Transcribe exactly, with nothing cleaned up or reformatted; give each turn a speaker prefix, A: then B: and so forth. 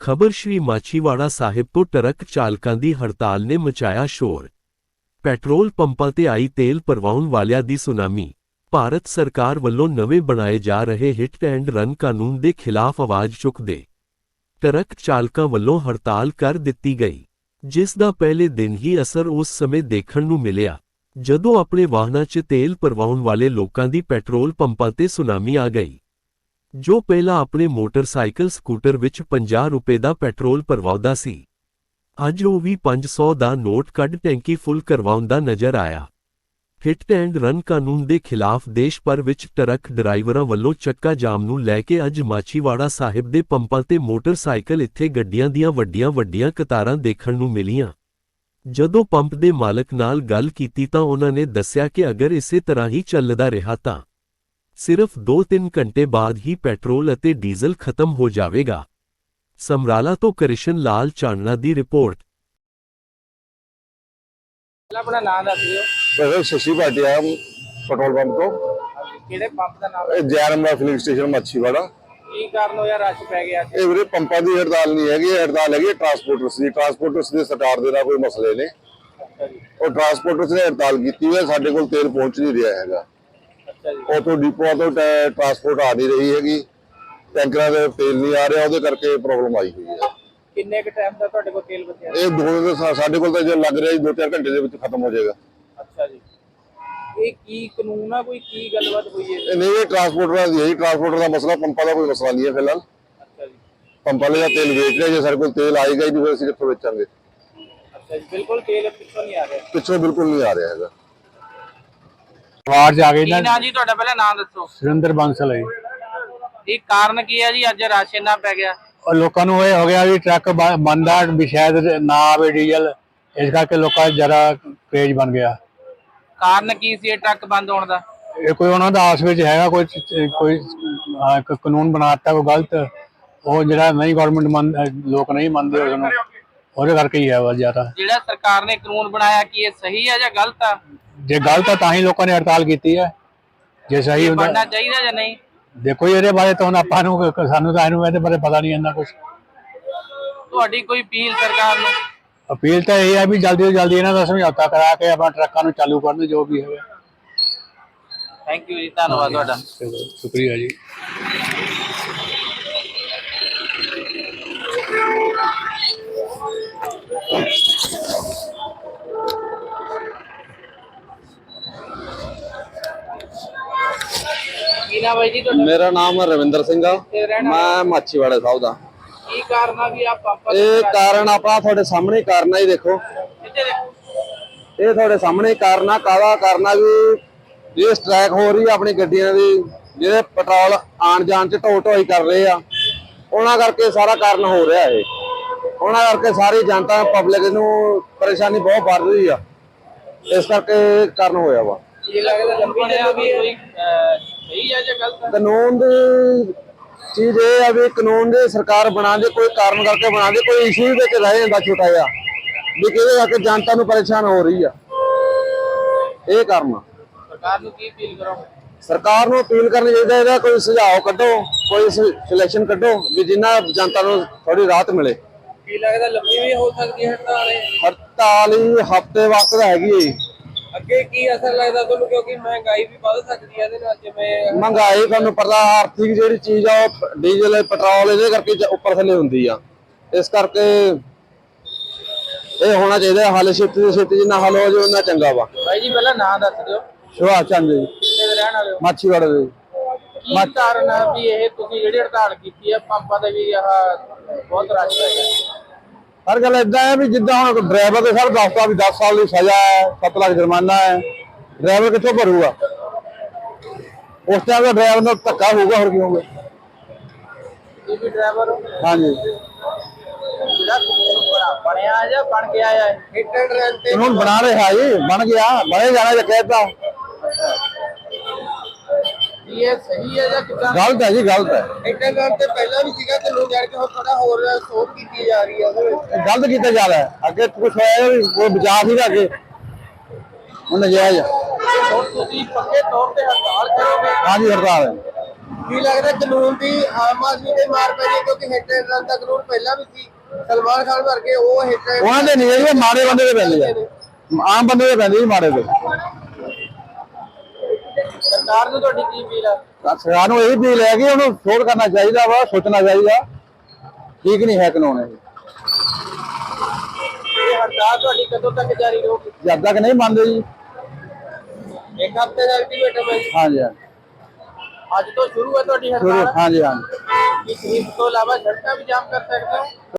A: ਖਬਰ ਸ਼੍ਰੀ ਮਾਛੀਵਾੜਾ ਸਾਹਿਬ ਤੋਂ ਟਰੱਕ ਚਾਲਕਾਂ ਦੀ ਹੜਤਾਲ ਨੇ ਮਚਾਇਆ ਸ਼ੋਰ। ਪੈਟਰੋਲ ਪੰਪਾਂ ਤੇ ਆਈ ਤੇਲ ਭਰਵਾਉਣ ਵਾਲਿਆਂ ਦੀ ਸੁਨਾਮੀ। ਭਾਰਤ ਸਰਕਾਰ ਵੱਲੋਂ ਨਵੇਂ ਬਣਾਏ ਜਾ ਰਹੇ ਹਿੱਟ ਐਂਡ ਰਨ ਕਾਨੂੰਨ ਦੇ ਖਿਲਾਫ ਆਵਾਜ਼ ਚੁੱਕਦੇ ਟਰੱਕ ਚਾਲਕਾਂ ਵੱਲੋਂ ਹੜਤਾਲ ਕਰ ਦਿੱਤੀ ਗਈ, ਜਿਸ ਦਾ ਪਹਿਲੇ ਦਿਨ ਹੀ ਅਸਰ ਉਸ ਸਮੇਂ ਦੇਖਣ ਨੂੰ ਮਿਲਿਆ ਜਦੋਂ ਆਪਣੇ ਵਾਹਨਾਂ 'ਚ ਤੇਲ ਭਰਵਾਉਣ ਵਾਲੇ ਲੋਕਾਂ ਦੀ ਪੈਟਰੋਲ ਪੰਪਾਂ ਤੇ ਸੁਨਾਮੀ ਆ ਗਈ। ਜੋ ਪਹਿਲਾਂ ਆਪਣੇ ਮੋਟਰਸਾਈਕਲ ਸਕੂਟਰ ਵਿੱਚ ਪੰਜਾਹ ਰੁਪਏ ਦਾ ਪੈਟਰੋਲ ਭਰਵਾਉਂਦਾ ਸੀ, ਅੱਜ ਉਹ ਵੀ ਪੰਜ ਸੌ ਦਾ ਨੋਟ ਕੱਢ ਟੈਂਕੀ ਫੁੱਲ ਕਰਵਾਉਂਦਾ ਨਜ਼ਰ ਆਇਆ। ਹਿੱਟ ਐਂਡ ਰਨ ਕਾਨੂੰਨ ਦੇ ਖਿਲਾਫ ਦੇਸ਼ ਭਰ ਵਿੱਚ ਟਰੱਕ ਡਰਾਈਵਰਾਂ ਵੱਲੋਂ ਚੱਕਾ ਜਾਮ ਨੂੰ ਲੈ ਕੇ ਅੱਜ ਮਾਛੀਵਾੜਾ ਸਾਹਿਬ ਦੇ ਪੰਪਾਂ ਤੇ ਮੋਟਰਸਾਈਕਲ ਇੱਥੇ ਗੱਡੀਆਂ ਦੀਆਂ ਵੱਡੀਆਂ-ਵੱਡੀਆਂ ਕਤਾਰਾਂ ਦੇਖਣ ਨੂੰ ਮਿਲੀਆਂ। ਜਦੋਂ ਪੰਪ ਦੇ ਮਾਲਕ ਨਾਲ ਗੱਲ ਕੀਤੀ ਤਾਂ ਉਹਨਾਂ ਨੇ ਦੱਸਿਆ ਕਿ ਅਗਰ ਇਸੇ ਤਰ੍ਹਾਂ ਹੀ ਚੱਲਦਾ ਰਿਹਾ ਤਾਂ ਸਿਰਫ ਦੋ ਤਿੰਨ ਘੰਟੇ ਬਾਅਦ ਹੀ ਪੈਟਰੋਲ ਅਤੇ ਡੀਜ਼ਲ ਖਤਮ ਹੋ ਜਾਵੇਗਾ। ਸਮਰਾਲਾ ਤੋਂ ਕ੍ਰਿਸ਼ਨ ਲਾਲ ਚਾਨਣਾ ਦੀ ਰਿਪੋਰਟ।
B: अपना नाम दस दियो।
C: वैसे शशि भाटिया पेट्रोल पंप तो
B: किहड़े पंप दा नाम है?
C: Jairam filling station Machhiwara.
B: की कारण होया रश पै गया?
C: ਇਹ ਵੀਰੇ ਪੰਪਾਂ ਦੀ ਹੜਤਾਲ ਨਹੀਂ ਹੈਗੀ, ਹੜਤਾਲ ਹੈਗੀ ਟਰਾਂਸਪੋਰਟਰਸ ਦੀ। ਟਰਾਂਸਪੋਰਟਰਸ ਦੇ ਸਰਕਾਰ ਦੇ ਨਾਲ ਕੋਈ ਮਸਲੇ ਨੇ।
B: अच्छा जी।
C: ਉਹ ਟਰਾਂਸਪੋਰਟਰਸ ਨੇ ਹੜਤਾਲ ਕੀਤੀ ਹੈ, ਸਾਡੇ ਕੋਲ ਤੇਲ ਪਹੁੰਚ ਨਹੀਂ ਰਿਹਾ ਹੈਗਾ।
B: अच्छा जी।
C: ਉਥੋਂ ਡਿਪੂਆਂ ਤੋਂ ਟਰਾਂਸਪੋਰਟ ਆ ਨਹੀਂ ਰਹੀ ਹੈਗੀ, ਟੈਂਕਰਾਂ ਦੇ ਤੇਲ ਨਹੀਂ ਆ ਰਿਹਾ, ਉਹਦੇ ਕਰਕੇ ਪ੍ਰੋਬਲਮ ਆਈ ਹੋਈ ਹੈ।
B: किन्ने क टाइम दा तुहाडे कोल तेल बचया?
C: ਇਹ ਦੋ ਦਿਨ ਸਾਡੇ ਕੋਲ ਤਾਂ ਜੇ ਲੱਗ ਰਿਹਾ ਦੋ ਚਾਰ ਘੰਟੇ ਦੇ ਵਿੱਚ ਖਤਮ ਹੋ ਜਾਏਗਾ।
B: अच्छा जी। ਇਹ ਕੀ ਕਾਨੂੰਨ ਆ, ਕੋਈ ਕੀ ਗੱਲਬਾਤ ਹੋਈ ਹੈ?
C: ਇਹ ਨਹੀਂ, ਇਹ ਟਰਾਂਸਪੋਰਟਰਾਂ ਦੀ ਹੈ ਜੀ, ਟਰਾਂਸਪੋਰਟਰ ਦਾ ਮਸਲਾ, ਪੰਪਾਂ ਦਾ ਕੋਈ ਮਸਲਾ ਨਹੀਂ ਹੈ ਫਿਲਹਾਲ।
B: अच्छा जी।
C: ਪੰਪਾਂ ਵਾਲੇ ਦਾ ਤੇਲ ਵੇਚ ਰਹੇ, ਜੇ ਸਾਡੇ ਕੋਲ ਤੇਲ ਆਏਗਾ ਹੀ ਨਹੀਂ ਫਿਰ ਅਸੀਂ ਕਿੱਥੋਂ ਵੇਚਾਂਗੇ।
B: अच्छा जी, बिल्कुल तेल पिछों नहीं आ रहा।
C: ਪਿੱਛੋਂ ਬਿਲਕੁਲ ਨਹੀਂ ਆ ਰਿਹਾ ਹੈਗਾ।
D: ਆਵਾਜ਼ ਆ ਗਈ
B: ਕੀ
D: ਨਾ।
B: ਨਾਂ ਜੀ ਤੁਹਾਡਾ, ਪਹਿਲਾਂ ਨਾਮ ਦੱਸੋ।
D: ਸੁਰਿੰਦਰ ਬਾਂਸਲ ਹੈ।
B: ਇਹ ਕਾਰਨ ਕੀ ਹੈ ਜੀ ਅੱਜ ਰਸ਼ ਇੰਨਾ ਪੈ ਗਿਆ?
D: ਔਰ ਲੋਕਾਂ ਨੂੰ ਇਹ ਹੋ ਗਿਆ ਵੀ ਟਰੱਕ ਬੰਦਾ ਵੀ ਸ਼ਾਇਦ ਨਾ ਆਵੇ ਡੀਜ਼ਲ, ਇਸ ਕਰਕੇ ਲੋਕਾਂ ਦਾ ਜ਼ਿਆਦਾ ਕ੍ਰੇਜ਼ ਬਣ ਗਿਆ।
B: ਕਾਰਨ ਕੀ ਸੀ ਇਹ ਟਰੱਕ ਬੰਦ ਹੋਣ ਦਾ?
D: ਇਹ ਕੋਈ ਉਹਨਾਂ ਦਾ ਆਸ ਵਿੱਚ ਹੈਗਾ, ਕੋਈ ਕੋਈ ਹਾਂ, ਇੱਕ ਕਾਨੂੰਨ ਬਣਾਤਾ ਕੋਈ ਗਲਤ, ਉਹ ਜਿਹੜਾ ਨਹੀਂ ਗਵਰਨਮੈਂਟ ਮੰਨ ਲੋਕ ਨਹੀਂ ਮੰਨਦੇ ਉਸਨੂੰ, ਉਹਦੇ ਕਰਕੇ ਹੀ ਹੈ ਬਸ ਜ਼ਿਆਦਾ।
B: ਜਿਹੜਾ ਸਰਕਾਰ ਨੇ ਕਾਨੂੰਨ ਬਣਾਇਆ ਕੀ ਇਹ ਸਹੀ ਹੈ ਜਾਂ ਗਲਤ ਆ?
D: ਜੇ ਗਲਤ ਹੈ ਤਾਂ ਹੀ ਲੋਕਾਂ ਨੇ ਹੜਤਾਲ ਕੀਤੀ ਹੈ, ਜੇ ਸਹੀ ਹੁੰਦਾ
B: ਬਣਨਾ ਚਾਹੀਦਾ ਜਾਂ ਨਹੀਂ?
D: ਦੇਖੋ ਇਹਦੇ ਬਾਰੇ ਤਾਂ ਹੁਣ ਆਪਾਂ ਨੂੰ ਸਾਨੂੰ ਤਾਂ ਇਹਨੂੰ ਇਹਦੇ ਬਾਰੇ ਪਤਾ ਨਹੀਂ ਇੰਨਾ ਕੁਝ।
B: ਤੁਹਾਡੀ ਕੋਈ ਅਪੀਲ ਸਰਕਾਰ ਨੂੰ?
D: ਅਪੀਲ ਤਾਂ ਇਹ ਹੈ ਵੀ ਜਲਦੀ ਤੋਂ ਜਲਦੀ ਇਹਨਾਂ ਦਾ ਸਮਝੌਤਾ ਕਰਾ ਕੇ ਆਪਣਾ ਟਰੱਕਾਂ ਨੂੰ ਚਾਲੂ ਕਰਨ, ਜੋ ਵੀ ਹੋਵੇ।
B: ਥੈਂਕ ਯੂ ਜੀ, ਧੰਨਵਾਦ ਤੁਹਾਡਾ।
D: ਸ਼ੁਕਰੀਆ ਜੀ।
B: ਕੀ ਨਾਮ ਹੈ ਜੀ ਤੁਹਾਡਾ?
C: ਮੇਰਾ ਨਾਮ ਰਵਿੰਦਰ ਸਿੰਘ ਆ,
B: ਤੇ ਰਹਿਣ
C: ਮੈਂ ਮਾਛੀਵਾੜਾ ਸਾਹਿਬ ਦਾ।
B: ਕੀ ਕਾਰਨ ਆ ਵੀ ਆ ਪੰਪਾਂ ਦੇ
C: ਇਹ ਕਾਰਨ ਆਪਣਾ ਤੁਹਾਡੇ ਸਾਹਮਣੇ ਹੀ ਕਾਰਨ ਆ ਜੀ। ਦੇਖੋ
B: ਇੱਥੇ ਦੇਖੋ।
C: ਇਹ ਤੁਹਾਡੇ ਸਾਹਮਣੇ ਹੀ ਕਾਰਨ ਆ। ਕਾਹਦਾ ਕਾਰਨ ਆ ਵੀ ਇਹ ਸਟ੍ਰਾਈਕ ਹੋ ਰਹੀ ਆ ਆਪਣੀ ਗੱਡੀਆਂ ਦੀ, ਜਿਹੜੇ ਪੈਟਰੋਲ ਆਣ ਜਾਣ ਚ ਢੋ ਢੋਈ ਕਰ ਰਹੇ ਆ, ਉਹਨਾਂ ਕਰਕੇ ਸਾਰਾ ਕਾਰਨ ਹੋ ਰਿਹਾ ਇਹ। ਉਹਨਾਂ ਕਰਕੇ ਸਾਰੀ ਜਨਤਾ ਪਬਲਿਕ ਨੂੰ ਪਰੇਸ਼ਾਨੀ ਬਹੁਤ ਵੱਧ ਰਹੀ ਆ, ਇਸ ਕਰਕੇ ਕਾਰਨ ਹੋਇਆ ਵਾ।
B: ਇਹ ਲੱਗਦਾ ਲੰਬੀ ਨੇ ਵੀ ਕੋਈ ਸਹੀ ਹੈ ਜਾਂ ਗਲਤ ਹੈ?
C: ਕਾਨੂੰਨ ਦੀ ਚੀਜ਼ ਇਹ ਆ ਵੀ ਕਾਨੂੰਨ ਦੇ ਸਰਕਾਰ ਬਣਾ ਦੇ, ਕੋਈ ਕਾਰਨ ਕਰਕੇ ਬਣਾ ਦੇ, ਕੋਈ ਇਸ਼ੂ ਵਿੱਚ ਰਹਿ ਜਾਂਦਾ ਛੋਟਾ ਜਿਹਾ ਵੀ ਕਿਹਦੇ ਕਰਕੇ ਜਨਤਾ ਨੂੰ ਪਰੇਸ਼ਾਨ ਹੋ ਰਹੀ ਆ, ਇਹ ਕਾਰਨ।
B: ਸਰਕਾਰ ਨੂੰ ਕੀ ਅਪੀਲ ਕਰੋ?
C: ਸਰਕਾਰ ਨੂੰ ਅਪੀਲ ਕਰਨੀ ਚਾਹੀਦਾ, ਇਹਦਾ ਕੋਈ ਸੁਝਾਅ ਕੱਢੋ, ਕੋਈ ਸਿਲੈਕਸ਼ਨ ਕੱਢੋ ਵੀ ਜਿੰਨਾ ਜਨਤਾ ਨੂੰ ਥੋੜੀ ਰਾਹਤ ਮਿਲੇ।
B: ਕੀ ਲੱਗਦਾ ਲੰਬੀ ਵੀ ਹੋ ਸਕਦੀ ਹੈ ਹੜਤਾਲ?
C: ਹੜਤਾਲ ਹੀ ਹਫ਼ਤੇ ਵਾਸਤੇ ਦਾ ਹੈਗੀ ਹੈ।
B: ਅੱਗੇ ਕੀ ਅਸਰ ਲੱਗਦਾ ਤੁਹਾਨੂੰ, ਕਿਉਂਕਿ ਮਹਿੰਗਾਈ ਵੀ ਵੱਧ ਸਕਦੀ ਹੈ ਇਹਦੇ ਨਾਲ? ਜਿਵੇਂ
C: ਮਹਿੰਗਾਈ ਤੁਹਾਨੂੰ ਪਤਾ, ਆਰਥਿਕ ਜਿਹੜੀ ਚੀਜ਼ ਆ ਉਹ ਡੀਜ਼ਲ ਪੈਟਰੋਲ ਇਹਦੇ ਕਰਕੇ ਉੱਪਰ ਥੱਲੇ ਹੁੰਦੀ ਆ, ਇਸ ਕਰਕੇ ਇਹ ਹੋਣਾ ਚਾਹੀਦਾ ਹੱਲ ਛੇਤੀ ਤੋਂ ਛੇਤੀ, ਜਿੰਨਾ ਹੱਲ ਹੋ ਜਾਵੇ ਉਹਨਾਂ ਚੰਗਾ ਵਾ।
B: ਭਾਈ ਜੀ ਪਹਿਲਾਂ ਨਾਂ ਦੱਸ ਦਿਓ।
C: ਸੁਭਾਸ਼ ਚੰਦ ਜੀ,
B: ਕਿੱਥੇ ਦੇ ਰਹਿਣ ਵਾਲੇ ਹੋ?
C: ਮਾਛੀਵਾੜਾ ਦੇ।
B: ਕੀ ਕਾਰਨ ਆ ਵੀ ਇਹ ਤੁਸੀਂ ਜਿਹੜੀ ਹੜਤਾਲ ਕੀਤੀ ਹੈ ਪੰਪਾਂ ਤੇ ਵੀ ਆਹ ਬਹੁਤ ਰਸ਼ ਪੈ ਗਿਆ?
C: ਹਰ ਗੱਲ ਏਦਾਂ ਹੈ ਵੀ ਜਿੱਦਾਂ ਹੁਣ ਡਰਾਈਵਰ ਦੇ ਸਰ ਦੱਸਦਾ ਵੀ ਦਸ ਸਾਲ ਦੀ ਸਜ਼ਾ ਹੈ, ਸੱਤ ਲੱਖ ਜੁਰਮਾਨਾ ਹੈ, ਡਰਾਈਵਰ ਕਿੱਥੋਂ ਭਰੂਗਾ? ਉਸ ਟਾਈਮ ਦਾ ਡਰਾਈਵਰ ਨਾਲ ਧੱਕਾ ਹੋਊਗਾ, ਹੋਰ ਕੀ ਹੋਊਗਾ?
B: ਇਹ ਵੀ ਡਰਾਈਵਰ
C: ਹਾਂਜੀ,
B: ਜਿਹੜਾ ਕਾਨੂੰਨ ਬਣਿਆ ਜਾਂ ਬਣ ਗਿਆ ਹੈ ਹਿੱਟ ਐਂਡ ਰਨ ਤੇ
C: ਕਾਨੂੰਨ ਬਣਾ ਰਿਹਾ ਜੀ, ਬਣ ਗਿਆ, ਬਣੇ ਜਾਣਾ ਜੇ ਕਹਿਤਾ।
B: ਇਹ ਸਹੀ ਹੈ ਜਾਂ ਕਿੱਦਾਂ?
C: ਗਲਤ ਹੈ ਜੀ, ਗਲਤ ਹੈ।
B: ਹਿੱਟ ਐਂਡ ਰਨ ਤੇ ਪਹਿਲਾਂ ਵੀ ਸੀਗਾ, ਕਾਨੂੰਨ ਜਾਣ ਕੇ ਹੁਣ ਥੋੜਾ ਹੋਰ ਸੋਧ ਕੀਤੀ ਜਾ ਰਹੀ ਹੈ ਉਹਦੇ ਵਿੱਚ।
C: ਗਲਤ ਕੀਤਾ ਜਾ ਰਿਹਾ ਹੈ। ਅੱਗੇ ਕੁਛ ਹੋਇਆ ਵੀ ਕੋਈ ਬਚਾ ਸੀਗਾ, ਅੱਗੇ ਹੁਣ ਨਜਾਇਜ਼।
B: ਹੁਣ ਤੁਸੀਂ ਪੱਕੇ ਤੌਰ ਤੇ ਹੜਤਾਲ ਕਰੋਗੇ?
C: ਹਾਂਜੀ, ਹੜਤਾਲ ਹੈ।
B: ਕੀ ਲੱਗਦਾ ਕਾਨੂੰਨ ਦੀ ਆਮ ਆਦਮੀ ਤੇ ਮਾਰ ਪੈ ਰਹੀ ਹੈ ਕਿਉਂਕਿ ਹਿੱਟ ਐਂਡ ਰਨ ਦਾ ਕਾਨੂੰਨ ਪਹਿਲਾਂ ਵੀ ਸੀ ਸਲਮਾਨ ਖਾਨ ਵਰਗੇ ਉਹ ਹਿੱਟ ਐਂਡ
C: ਉਹਨਾਂ ਦੇ ਨਹੀਂ ਇਹ ਮਾੜੇ ਬੰਦੇ ਦੇ ਪੈਂਦੇ ਆ ਆਮ ਬੰਦੇ ਦੇ ਪੈਂਦੇ ਜੀ ਮਾੜੇ ਦੇ
B: ਸਰਕਾਰ ਨੂੰ ਤੁਹਾਡੀ ਕੀ ਅਪੀਲ ਆ
C: ਸਰਕਾਰ ਨੂੰ ਇਹ ਵੀ ਲੈ ਕੇ ਉਹਨੂੰ ਸੋਧ ਕਰਨਾ ਚਾਹੀਦਾ ਵਾ ਸੋਚਣਾ ਚਾਹੀਦਾ ਠੀਕ ਨਹੀਂ ਹੈ ਕਾਨੂੰਨ ਇਹ
B: ਇਹ ਹੜਤਾਲ ਤੁਹਾਡੀ ਕਦੋਂ ਤੱਕ ਜਾਰੀ ਰਹੂਗੀ
C: ਜਦ ਤੱਕ ਨਹੀਂ ਮੰਨਦੇ ਜੀ
B: ਇੱਕ ਹਫ਼ਤੇ ਦਾ ਅਲਟੀਮੇਟਮ ਹੈ ਜੀ।
C: ਹਾਂਜੀ ਹਾਂਜੀ
B: ਅੱਜ ਤੋਂ ਸ਼ੁਰੂ ਹੈ ਤੁਹਾਡੀ
C: ਸ਼ੁਰੂ-
B: ਹੜਤਾਲ
C: ਹਾਂਜੀ ਹਾਂਜੀ
B: ਇਸ ਤੋਂ ਇਲਾਵਾ ਸੜਕਾਂ ਵੀ ਜਾਮ ਕਰ ਸਕਦੇ ਹੋ